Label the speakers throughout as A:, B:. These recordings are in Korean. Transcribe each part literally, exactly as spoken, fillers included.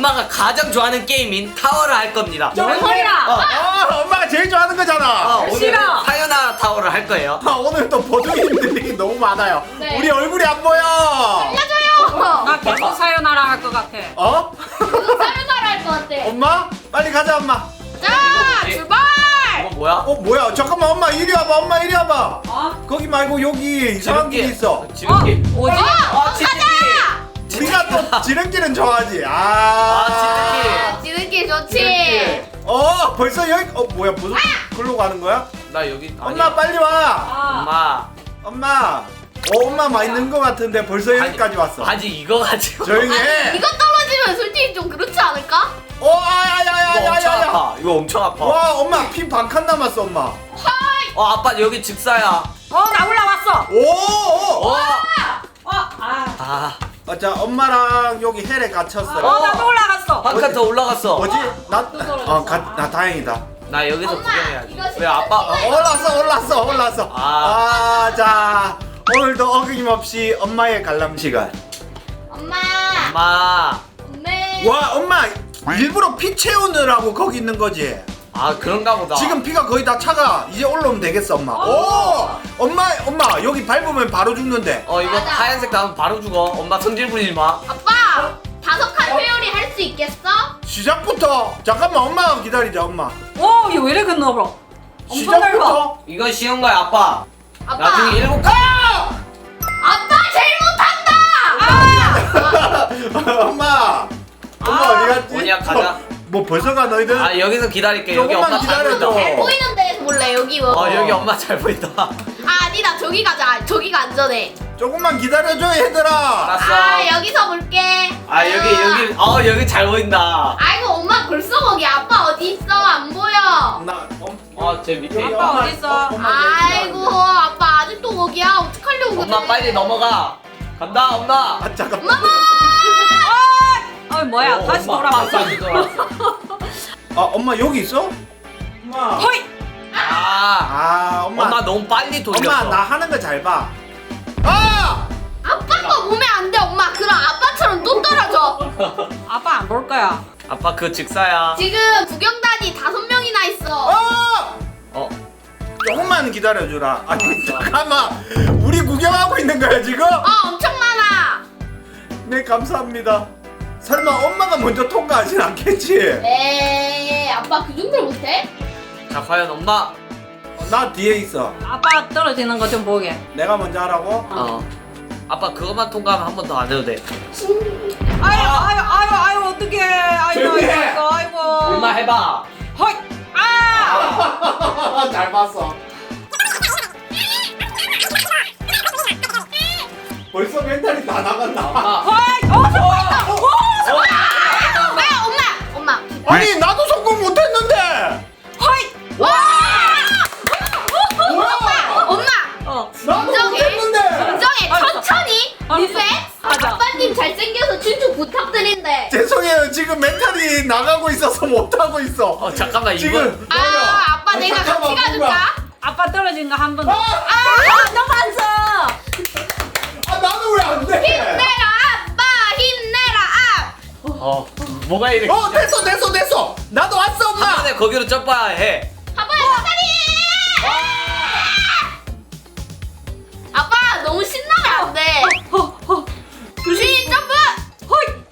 A: 엄마가 가장 좋아하는 게임인 타워를 할 겁니다.
B: 정말이야.
A: 어.
C: 아, 엄마가 제일 좋아하는 거잖아.
A: 어, 오늘
B: 싫어.
A: 사요나라 타워를 할 거예요.
C: 아, 오늘 또 보조인들이 너무 많아요.
D: 네.
C: 우리 얼굴이 안 보여.
D: 알려줘요.
B: 나 계속 사요나라 할 것 같아.
C: 어?
D: 사요나라 할 것 같아.
C: 엄마? 빨리 가자, 엄마.
D: 자, 출발.
A: 이건 뭐야?
C: 어, 뭐야? 잠깐만, 엄마 이리 와봐. 엄마 이리 와봐.
B: 어?
C: 거기 말고 여기 이상한 길이 있어.
A: 지름길.
B: 어? 뭐지?
A: 아, 지름길.
C: 우리가 또 지름길은 좋아하지. 아,
A: 아,
D: 지름길 좋지.
C: 어, 벌써 여기. 어, 뭐야? 무슨 글로 가는 거야?
A: 나 여기.
C: 엄마
A: 아니야.
C: 빨리 와.
B: 아.
A: 엄마.
C: 엄마. 어, 엄마 많이 있는 거 같은데 벌써 여기까지 왔어.
A: 아직 이거 가지고.
C: 조용히 해.
D: 이거 떨어지면 솔직히 좀 그렇지 않을까?
C: 어,
A: 이거 엄청
C: 아야야야야야.
A: 아파. 이거 엄청 아파.
C: 와, 엄마 피 반 칸 남았어, 엄마.
A: 어, 아빠 여기 직사야.
B: 어, 나 올라왔어.
C: 오, 오.
A: 어.
B: 어, 아.
A: 아,
C: 아, 자, 엄마랑 여기 헬에 갇혔어.
B: 어, 나도 올라갔어.
A: 한 칸 더 올라갔어.
C: 뭐지? 나,
B: 또 떨어졌어.
C: 어, 가, 나 다행이다.
A: 나 여기서
D: 엄마,
A: 구경해야지.
D: 이거
A: 왜
D: 진짜
A: 아빠? 어,
C: 어, 올랐어, 올랐어, 올랐어.
A: 아.
C: 아, 자, 오늘도 어김없이 엄마의 관람 시간.
D: 엄마.
A: 엄마.
D: 엄마.
C: 와, 엄마 일부러 피 채우느라고 거기 있는 거지.
A: 아, 그런가 보다.
C: 지금 피가 거의 다 차가. 이제 올라오면 되겠어, 엄마. 오, 엄마, 엄마 여기 밟으면 바로 죽는데.
A: 어, 이거
D: 맞아.
A: 하얀색 나오면 바로 죽어. 엄마 성질 부리지 마.
D: 아빠, 다섯 칸 회오리 할 수 있겠어?
C: 시작부터. 잠깐만, 엄마 기다리자, 엄마.
B: 오, 이거 왜 이래 그 넓어? 엄청 넓어.
C: 시작부터.
A: 이거 쉬운 거야, 아빠.
D: 아빠.
A: 나중에 일곱 칸.
D: 아빠 제일 못한다.
C: 엄마. 엄마
B: 아,
C: 어디 갔지?
A: 뭐냐, 가자.
C: 어, 뭐 벌써 가 너희들?
A: 아, 여기서 기다릴게. 여기
C: 조금만
A: 엄마 잘
C: 기다려줘.
A: 보인다.
D: 잘 보이는 데에서 볼래 여기 뭐.
A: 어, 여기 엄마 잘 보인다.
D: 아, 아니다 저기 가자. 저기가 안전해.
C: 조금만 기다려줘, 얘들아.
A: 알았어.
D: 아 여기서 볼게.
A: 아, 여기 여기 어, 여기 잘 보인다.
D: 아이고 엄마 벌써 거기 아빠 어디 있어 안 보여.
C: 나, 엄,
A: 어, 제 밑에 있다.
B: 아빠 어딨어?
D: 아이고 아빠 아직도 거기야 어떡하려고 그래.
A: 엄마 빨리 넘어가. 간다, 엄마.
C: 아, 잠깐만.
D: 엄마.
B: 어, 뭐야?
A: 어,
B: 다시
A: 엄마,
B: 돌아왔어.
A: 다시 돌아왔어.
C: 아, 엄마 여기 있어? 엄마.
B: 허이.
A: 아,
C: 아, 엄마.
A: 엄마 너무 빨리 돌렸어.
C: 엄마 나 하는 거 잘 봐. 아!
D: 아빠 거 보면 안 돼 엄마. 그럼 아빠처럼 또 떨어져.
B: 아빠 안 볼 거야.
A: 아빠 그 직사야.
D: 지금 구경단이 다섯 명이나 있어.
C: 아!
A: 어,
C: 조금만 기다려주라. 아니 잠깐만. 우리 구경하고 있는 거야 지금?
D: 어 엄청 많아.
C: 네 감사합니다. 설마 엄마가 먼저 통과하진 않겠지?
D: 에이 아빠 그 정도로 못해?
A: 자 과연 엄마.
C: 어, 나 뒤에 있어.
B: 아빠 떨어지는 거 좀 보게.
C: 내가 먼저 하라고?
A: 어. 아빠 그것만 통과하면 한 번 더 안 해도 돼.
B: 아유, 아유, 아유, 아유, 어떡해. 아이고,
C: 조용히 해.
B: 아이고, 아이고.
A: 엄마 해봐.
B: 허이. 아!
C: 잘 봤어. 벌써 멘탈이 다 나갔나?
A: 엄마.
B: 허이. 어, 성공했다. 오, 성공.
D: 아 엄마 엄마.
C: 아니 나도 성공 못했는데.
B: 허이.
D: 와!
C: 뭐야?
D: 엄마
B: 어.
C: 나도
D: 인정해.
C: 못했는데.
D: 인정해
B: 알았어.
D: 천천히
B: 알았어.
D: 리셋.
B: 맞아.
D: 아빠님 잘생겨서 춘추 부탁드린대.
C: 죄송해요 지금 멘탈이 나가고 있어서 못하고 있어.
A: 어 잠깐만 이거.
C: 지금
D: 아 아빠 내가 같이
C: 잠깐만,
D: 가줄까?
B: 아빠 떨어진 거 한 번 더.
C: 아!
B: 아, 너무 안 써.
C: 아 나는 왜 안 돼?
D: 힘내라 아빠 힘내라
A: 어 뭐가 이렇게.
C: 어 됐어 됐어 됐어. 나도 왔어
A: 한
C: 엄마.
A: 번에 거기로 점프해야 해.
D: 아. 아빠 사다리. 아빠 너무 신나면 안 돼.
B: 허, 허.
D: 조심 점프.
B: 허이.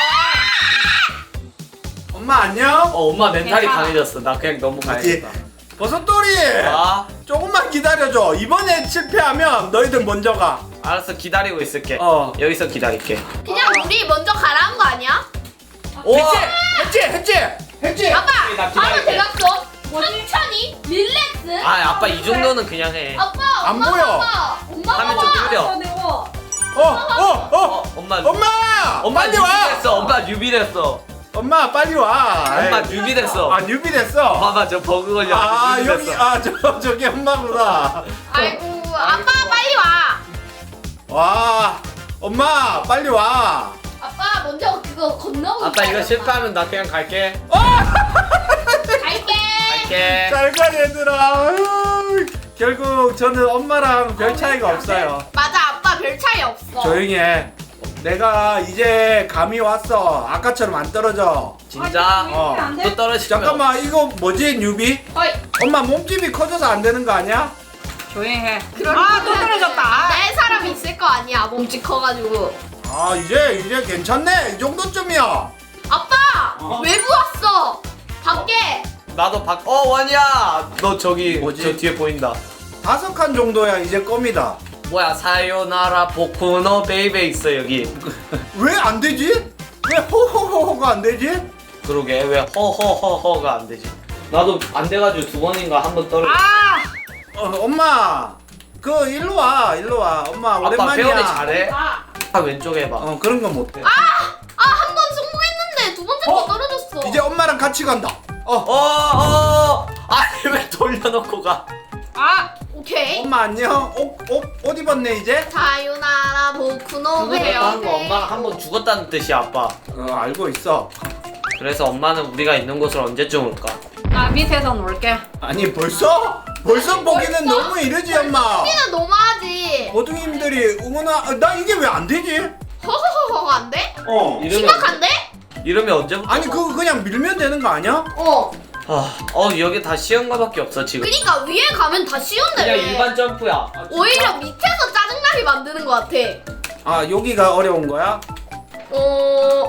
C: 엄마 안녕.
A: 어 엄마 멘탈이
B: 괜찮아.
A: 강해졌어. 나 그냥 너무
C: 맞지?
A: 강해졌다.
C: 버섯돌이.
A: 아
C: 조금만 기다려줘. 이번에 실패하면 너희들 먼저 가.
A: 알았어 기다리고 있을게.
C: 어.
A: 여기서 기다릴게.
D: 그냥 우리 먼저 가라는 거 아니야?
A: 우와.
C: 했지 했지 했지.
D: 아빠
A: 나
D: 바로
A: 기다릴게.
D: 대각선. 천천히 릴렉스.
A: 아 아빠 이 정도는 그냥 해.
D: 아빠
C: 안
D: 엄마
C: 보여.
D: 봐봐. 엄마
A: 화면 좀
D: 봐봐.
A: 느려.
B: 어, 내고.
C: 어어 어.
A: 어 엄마.
C: 엄마.
A: 엄마
C: 빨리 와.
A: 뉴비됐어. 엄마 뉴비됐어.
C: 엄마 빨리 와.
A: 엄마
C: 아이.
A: 뉴비됐어.
C: 아 뉴비 됐어.
A: 봐봐 저 버그 걸려.
C: 아 여기 아 저 저기 엄마구나.
D: 아이고 아빠 빨리 와.
C: 와 엄마 빨리 와.
D: 아빠 먼저 그거 건너고.
A: 아빠 이거
D: 있어요,
A: 실패하면 나 그냥 갈게.
D: 갈게.
A: 갈게.
C: 잘가 얘들아. 아유, 결국 저는 엄마랑 별 차이가 없어요.
D: 맞아 아빠 별 차이 없어.
C: 조용히 해. 내가 이제 감이 왔어. 아까처럼 안 떨어져.
A: 진짜?
B: 아니,
C: 어.
B: 안 돼?
A: 또 떨어지면
C: 잠깐만 이거 뭐지 뉴비?
D: 어이.
C: 엄마 몸집이 커져서 안 되는 거 아니야?
B: 조용히 해.
D: 그러니까
B: 아, 또 떨어졌다.
D: 내 사람이 있을 거 아니야. 몸집 커가지고.
C: 아 이제 이제 괜찮네. 이 정도쯤이야.
D: 아빠
C: 어?
D: 외부 왔어. 밖에.
A: 나도 박. 어 원이야. 너 저기
C: 뭐지?
A: 저 뒤에 보인다.
C: 다섯 칸 정도야 이제 껌이다.
A: 뭐야 사요나라 보쿠노 베이베 있어 여기.
C: 왜 안 되지? 왜 호호호호가 안 되지?
A: 그러게 왜 허허허허가 안 되지? 나도 안 돼가지고 두 번인가 한 번 떨어.
B: 아,
C: 어, 엄마 그 일로 와 일로 와 엄마
A: 아빠
C: 오랜만이야.
A: 배우기 잘해.
B: 아,
A: 아 왼쪽 해봐.
C: 어 그런 건 못해.
D: 아 한 번 성공했는데 두 번째 거
C: 어?
D: 떨어졌어.
C: 이제 엄마랑 같이 간다. 어
A: 어 어. 아니 왜 돌려놓고 가?
B: 아,
D: 오케이.
C: 엄마 안녕. 옷옷 옷 입었네 이제.
D: 사요나라 보쿠노
A: 그거를 하는 거
D: 베이베.
A: 엄마가 한 번 죽었다는 뜻이야 아빠.
C: 어 알고 있어.
A: 그래서 엄마는 우리가 있는 곳을 언제쯤 올까?
B: 나 밑에서 놀게.
C: 아니 벌써 벌써 보기는 너무 이르지 엄마.
D: 우리는 너무하지.
C: 모두님들이 응원하. 아, 나 이게 왜 안 되지?
D: 허허허허가 안 돼?
C: 어.
A: 이러면
D: 심각한데?
A: 이러면 언제부터?
C: 아니 그거 그냥 밀면 되는 거 아니야?
D: 어.
A: 아, 어 여기 다 쉬운 거밖에 없어 지금.
D: 그니까 위에 가면 다 쉬운데
A: 그냥
D: 왜?
A: 일반 점프야.
D: 오히려 밑에서 짜증나게 만드는 것 같아.
C: 아 여기가 어려운 거야?
D: 어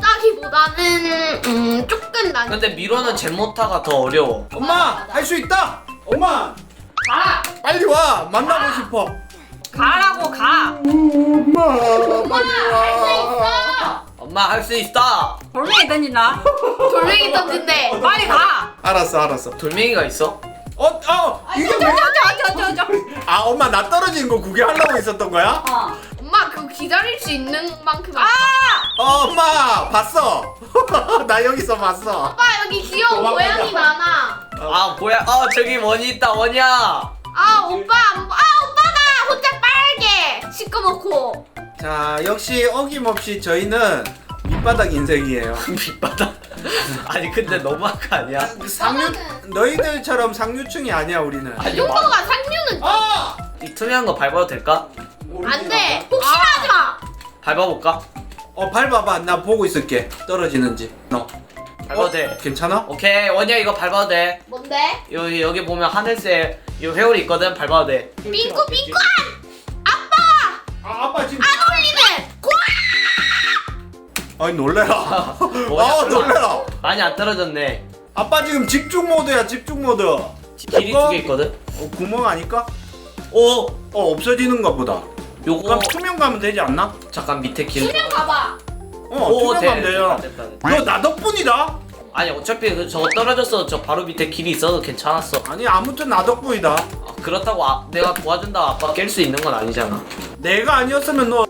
D: 어렵다기보다는 음 조금 난.
A: 근데 미로는 젠모타가 더 어려워.
C: 엄마
D: 맞아, 맞아.
C: 할 수 있다. 엄마
B: 가,
C: 빨리 와 만나고 싶어.
B: 가라고 가.
C: 엄마
D: 엄마
C: 빨리
D: 할 수
C: 와.
D: 있어.
A: 엄마 할 수 있어.
B: 돌멩이 던진다.
D: 돌멩이 던진대.
B: 빨리 가.
C: 알았어 알았어.
A: 돌멩이가 있어?
C: 어, 어, 이게
B: 저,
C: 왜?
B: 저, 저, 저, 저, 저.
C: 아, 엄마 나 떨어진 거 구경하려고 있었던 거야?
B: 어.
D: 엄마 그거 기다릴 수 있는 만큼.
B: 아,
C: 어, 엄마 봤어. 나 여기서 봤어.
D: 아빠 여기 귀여운
C: 도망가자.
D: 고양이 많아.
A: 아 뭐야? 어 저기 원이 있다 원이야.
D: 아 오빠 안 보- 아 오빠가 혼자 빨개 시꺼멓고.
C: 자, 역시 어김없이 저희는 밑바닥 인생이에요.
A: 밑바닥. 아니 근데 너무한 거 아니야?
C: 상류 너희들처럼 상류층이 아니야 우리는.
D: 이 정도가 상류는
C: 아!
A: 이 투명한 거 밟아도 될까?
D: 안돼. 혹시나 하지 마.
A: 밟아볼까?
C: 어, 밟아봐. 나 보고 있을게. 떨어지는지. 너.
A: 밟아도
C: 어,
A: 돼.
C: 괜찮아?
A: 오케이 원이야 이거 밟아도 돼.
D: 뭔데?
A: 여기 여기 보면 하늘색 이 회오리 있거든 밟아도 돼.
D: 빙꾸 빙꾸한. 아빠
C: 아, 아빠 지금.
D: 안 올리네. 고.
C: 아니 놀래라.
A: 뭐야,
C: 아,
A: 설마.
C: 놀래라.
A: 많이 안 떨어졌네.
C: 아빠 지금 집중 모드야, 집중 모드. 어,
A: 길이 두 개 있거든.
C: 구멍 아닐까?
A: 오
C: 어, 없어지는가 보다.
A: 요거
C: 그럼 투명 가면 되지 않나?
A: 잠깐 밑에 길.
D: 수면 가봐.
C: 어,
A: 오,
C: 투명
A: 돼,
C: 가면 돼요.
A: 됐다, 됐다.
C: 너 나 덕분이다.
A: 아니 어차피 그 저거 떨어졌어. 저 바로 밑에 길이 있어도 괜찮았어.
C: 아니 아무튼 나 덕분이다.
A: 아, 그렇다고 아, 내가 도와준다고 아빠 깰 수 있는 건 아니잖아.
C: 내가 아니었으면 너.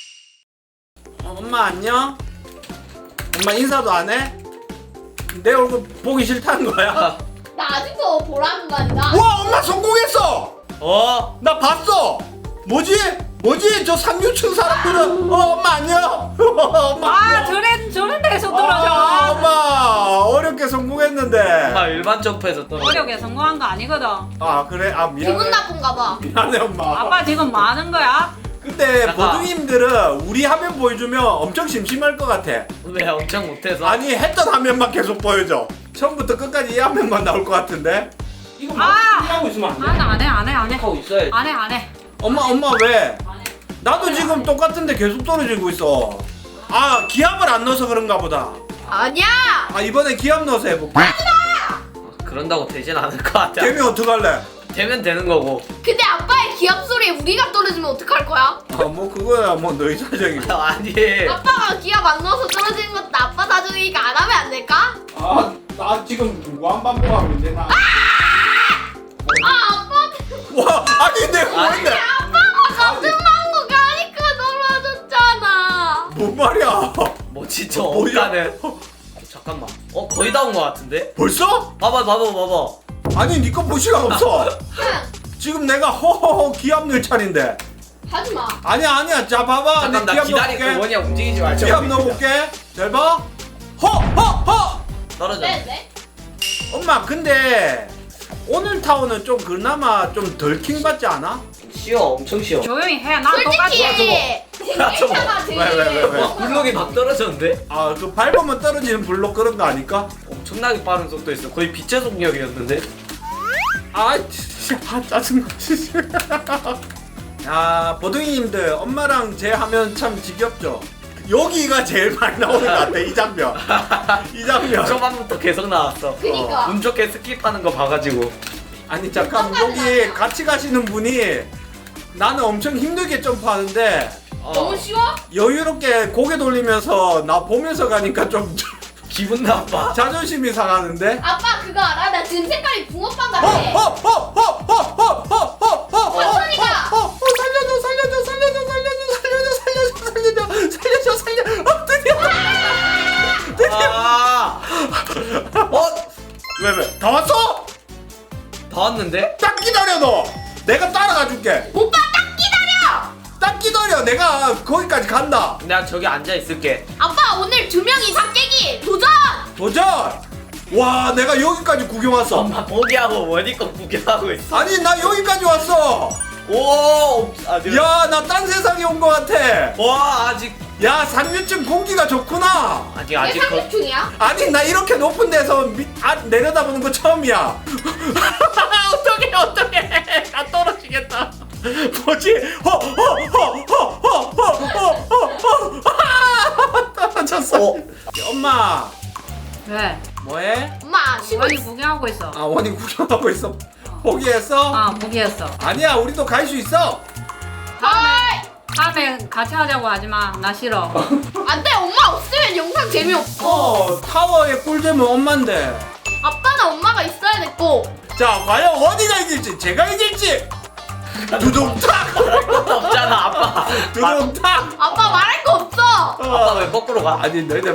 C: 어, 엄마 안녕. 엄마 인사도 안 해? 내 얼굴 보기 싫다는 거야?
D: 나 아직도 보라는만이다.
C: 와, 엄마 성공했어.
A: 어?
C: 나 봤어. 뭐지? 뭐지? 저 상류층 사람들은. 어, 엄마 안녕. 엄마.
B: 아,
C: 안녕.
B: 저런, 저런 데서
C: 아,
B: 떨어져.
C: 엄마 어렵게 성공했는데.
A: 엄마 일반 점프에서 떨어져.
B: 어렵게 성공한 거 아니거든.
C: 아 그래? 아 미안해.
D: 기분 나쁜가 봐.
C: 미안해 엄마.
B: 아빠 지금 뭐 하는 거야?
C: 근데
A: 잠깐.
C: 보둥이님들은 우리 화면 보여주면 엄청 심심할 것 같아.
A: 왜 엄청 못해서?
C: 아니 했던 화면만 계속 보여줘. 처음부터 끝까지 이 화면만 나올 것 같은데. 이거 막
B: 아!
C: 하고 있으면 안 돼.
B: 아, 나 안 해, 안 해, 안 해.
A: 하고 있어야지.
B: 안 해, 안 해.
C: 엄마 엄마 왜?
B: 안 해.
C: 나도 지금 똑같은데 계속 떨어지고 있어. 아 기압을 안 넣어서 그런가 보다.
D: 아니야.
C: 아 이번에 기압 넣어서 해볼게.
A: 그런다고 되진 않을 것 같아.
C: 되면 어떡할래?
A: 되면 되는 거고.
D: 근데 아빠의 기합 소리에 우리가 떨어지면 어떡할 거야?
C: 아 뭐 그거야 뭐 너희 사정이고.
A: 아니.
D: 아빠가 기합 안 넣어서 떨어지는 것도 아빠 사정이니까 안 하면 안 될까?
C: 아나 지금 무한 반복하고 있는데 나.
D: 아 아빠
C: 와 아니 내가
A: 아니.
C: 뭐인데?
D: 아빠가 같은 방법 가니까 떨어졌잖아.
C: 뭔 말이야?
A: 뭐 진짜
C: 어, 뭐야?
A: 없다네. 잠깐만. 어 거의 다 온 거 같은데?
C: 벌써?
A: 봐봐 봐봐 봐봐.
C: 아니 니꺼 볼 시간 없어. 지금 내가 허허허 기압 넣을 차례인데.
D: 하지 마.
C: 아니야 아니야 자 봐봐
A: 잠깐
C: 내
A: 나
C: 기압
A: 기다리고
C: 넣어볼게.
A: 원이야 움직이지 말자.
C: 기압 넣어볼게. 잘 봐. 허허허.
A: 떨어져.
D: 네 네.
C: 엄마 근데 오늘 타워는 좀 그나마 좀 덜 킹받지 않아?
A: 쉬워 엄청 쉬워.
B: 조용히 해. 난 똑같이.
D: 솔직히 쟁일차가 제일.
C: 왜, 왜, 왜, 왜?
A: 와 블록이 막 떨어졌는데?
C: 아 그 밟으면 떨어지는 블록 그런 거 아닐까?
A: 엄청나게 빠른 속도였어. 거의 빛의 속력이었는데.
C: 아 진짜 아, 짜증나 진짜. 야 보둥이님들 엄마랑 제 하면 참 지겹죠? 여기가 제일 많이 나오는 것 같아 이 장면. 이 장면.
A: 초반부터 계속 나왔어.
D: 그니까.
A: 운 좋게 스킵하는 거 봐가지고.
C: 아니 잠깐 여기 같이 가시는 분이 나는 엄청 힘들게 점프하는데
A: 어,
D: 너무 쉬워?
C: 여유롭게 고개 돌리면서 나 보면서 가니까 좀
A: 기분 나빠.
C: 자존심이 상하는데?
D: 아빠 그거 알아? 나 지금 색깔이 붕어빵
C: 어,
D: 같아.
C: 어, 어, 어, 어, 어, 어, 어, 어, 어,
D: 천천히 가.
C: 어, 어, 살려줘, 살려줘, 살려줘, 살려줘, 살려줘, 살려줘, 살려줘, 살려줘, 살려. 어, 드디어.
A: 아. 어?
C: 왜, 왜? 다 왔어?
A: 다 왔는데?
C: 딱 기다려 너. 내가 따라가 줄게.
D: 오빠 딱 기다려.
C: 딱 기다려. 내가 거기까지 간다.
A: 내가 저기 앉아 있을게.
D: 아빠 오늘 두 명 이상 깨기 도전.
C: 도전. 와, 내가 여기까지 구경 왔어.
A: 엄마 포기하고 원이 거 구경하고 있어.
C: 아니, 나 여기까지 왔어.
A: 오. 아직.
C: 야, 나 딴 세상에 온 것 같아.
A: 와 아직
C: 야, 상류층 공기가 좋구나.
A: 아직
D: 내
A: 아직 거.
D: 삼십중이야?
C: 아니, 나 이렇게 높은 데서 밑, 아, 내려다보는 거 처음이야. 어떡해, 어떡해. 나 떨어지겠다. 뭐지? 허, 허, 허, 허, 허, 허, 허, 허, 허. 떨어졌어.
A: 어.
C: 엄마,
B: 왜?
C: 뭐해?
D: 엄마 쉬고
B: 원이
D: 있어.
B: 구경하고 있어.
C: 아, 원이 구경하고 있어. 포기했어?
B: 아 포기했어.
C: 아니야, 우리도 갈 수 있어.
B: 다음에 다음에 같이 하자고 하지 마. 나 싫어.
D: 안돼 엄마 없으면 영상 재미없어.
C: 어, 타워의 꿀잼은 엄마인데.
D: 아빠는 엄마가 있어야 됐고.
C: 자, 과연 원이가 이길지, 제가 이길지. 두둥탁!
A: 것도 없잖아 아빠.
C: 두둥탁!
D: 아빠 말할 거 없어.
A: 아빠 왜 거꾸로 가?
C: 아니, 너희들.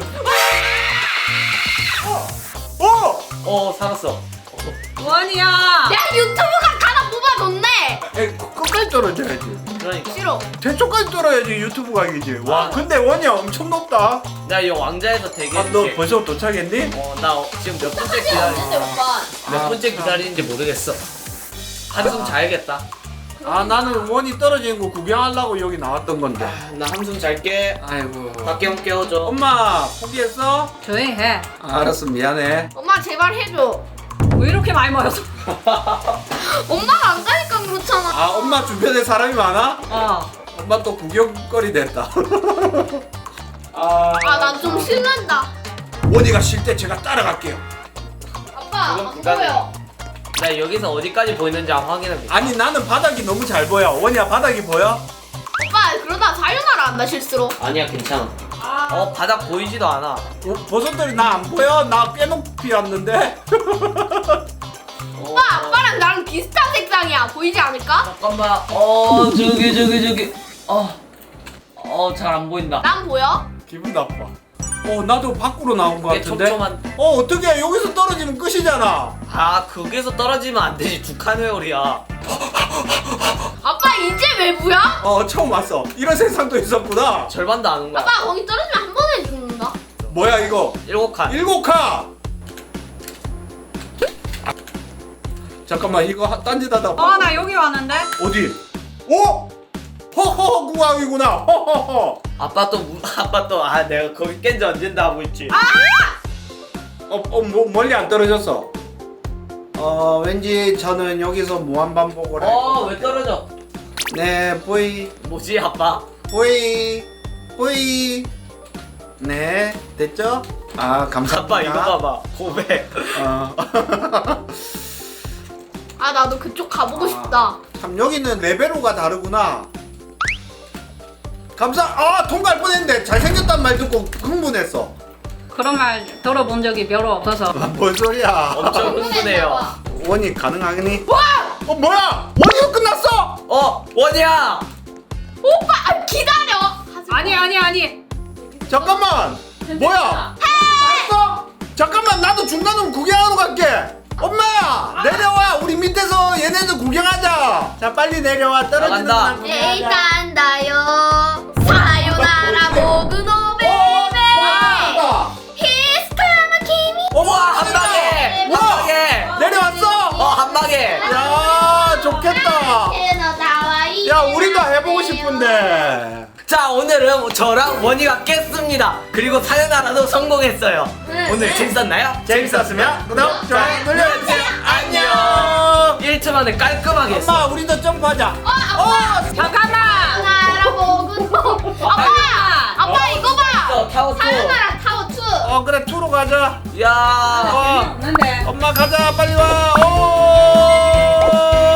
C: 어!
A: 어 살았어.
B: 원이야.
D: 야 유튜브가 가다 뽑아줬네.
C: 에, 끝까지 떨어져야지.
A: 그러니까.
D: 싫어.
C: 대초까지 떨어야지 유튜브 가기지. 와,
A: 아.
C: 근데 원이야 엄청 높다.
A: 내가 이 왕자에서
C: 아,
A: 대기해줄게.
C: 너 벌써 도착했니?
A: 어나 지금 몇 번째
D: 사실
A: 기다리.
D: 없는데 오빠.
A: 몇
C: 아,
A: 번째
C: 아.
A: 기다리는지 모르겠어. 한숨 자야겠다.
C: 아, 나는 원이 떨어지는 거 구경하려고 여기 나왔던 건데.
A: 아, 나 한숨 잘게.
C: 아이고.
A: 밖에 못 깨워줘.
C: 엄마, 포기했어?
B: 조용히 해.
C: 아, 알았어, 미안해.
D: 엄마 제발 해줘.
B: 왜 이렇게 많이 모였어?
D: 엄마가 안 가니까 그렇잖아.
C: 아, 엄마 주변에 사람이 많아?
B: 어.
C: 엄마 또 구경거리 됐다. 아,
D: 아 난 좀 신난다.
C: 원이가 쉴 때 제가 따라갈게요.
D: 아빠
A: 그건
D: 안
A: 부담이야.
D: 보여.
A: 나 여기서 어디까지 보이는지 한번 확인해볼게.
C: 아니, 나는 바닥이 너무 잘 보여. 원이야, 바닥이 보여?
D: 오빠 그러다 사요나라 한다 실수로.
A: 아니야 괜찮아. 어 바닥 보이지도 않아.
C: 어, 버섯들이 나 안 보여? 나 꽤 높이 왔는데?
A: 어,
D: 오빠 아빠랑 나랑 비슷한 색상이야. 보이지 않을까?
A: 잠깐만. 어 저기 저기 저기. 어어잘 안 보인다.
D: 난 보여?
C: 기분 나빠. 어, 나도 밖으로 나온 것
A: 이게
C: 같은데?
A: 촘촘한.
C: 어, 어떻게 여기서 떨어지면 끝이잖아.
A: 아 거기서 떨어지면 안 되지. 두 칸 회오리야.
D: 아빠 이제 외부야?
C: 어, 처음 왔어. 이런 세상도 있었구나.
A: 절반도 안 온 거야.
D: 아빠 거기 떨어지면 한 번에 죽는다.
C: 뭐야, 이거?
A: 일곱 칸.
C: 일곱 칸! 아, 잠깐만, 이거 하- 딴짓하다.
B: 어 나 여기 왔는데.
C: 어디? 오! 허허허 구강이구나. 허허허.
A: 아빠 또 무- 아빠 또 아 내가 거기 깬지 언젠다 하고 있지.
C: 어, 어, 뭐, 멀리 안 떨어졌어. 어, 왠지 저는 여기서 무한 반복을 할 거.
A: 어왜 떨어져?
C: 네, 보이,
A: 뭐지 아빠?
C: 보이, 보이. 네, 됐죠? 아, 감사합니다.
A: 아빠 이거 봐봐. 고백.
C: 어.
D: 아 나도 그쪽 가보고
C: 아.
D: 싶다.
C: 참 여기는 레벨로가 다르구나. 감사. 아, 통과할 뻔했는데 잘생겼단 말 듣고 흥분했어.
B: 그런 말 들어본 적이 별로 없어서.
C: 아, 뭔 소리야?
A: 엄청 흥분해요.
C: 원이 가능하니? 와! 어, 뭐야? 원이가 끝났어?
A: 어 원이야.
D: 오빠 아, 기다려. 하지 마.
B: 아니 아니 아니.
C: 잠깐만. 뭐야? 됐어? 잠깐만, 나도 중간으로 구경하러 갈게. 엄마야, 내려와. 우리 밑에서 얘네들 구경하자. 자, 빨리 내려와. 떨어지는
A: 나간다.
C: 날
D: 내일
C: 구경하자.
D: 간다요. 사요나라 모그노 베이베.
C: 와!
D: 히스카마 키미.
C: 어머,
A: 우와 한 방에. 한
C: 와!
A: 방에.
C: 내려왔어?
A: 어 한 방에.
C: 야, 좋겠다.
D: 야
C: 야, 우리도 해보고 싶은데.
A: 자, 오늘은 저랑 원희가 깼습니다. 그리고 사연하나도 성공했어요.
D: 응.
A: 오늘 재밌었나요?
C: 재밌었으면 구독, 좋아요 눌러주세요. 안녕.
A: 일 초 만에 깔끔하게 했어.
C: 엄마, 우리도 점프하자.
D: 어 아빠
B: 잠깐만.
D: 나라 먹은 아빠 아빠 이거 봐
A: 어, 타워 투.
D: 사연아라 타워 투
C: 어, 그래, 투로 가자.
A: 야.
C: 어,
B: 없는데.
C: 엄마 가자, 빨리 와. 오.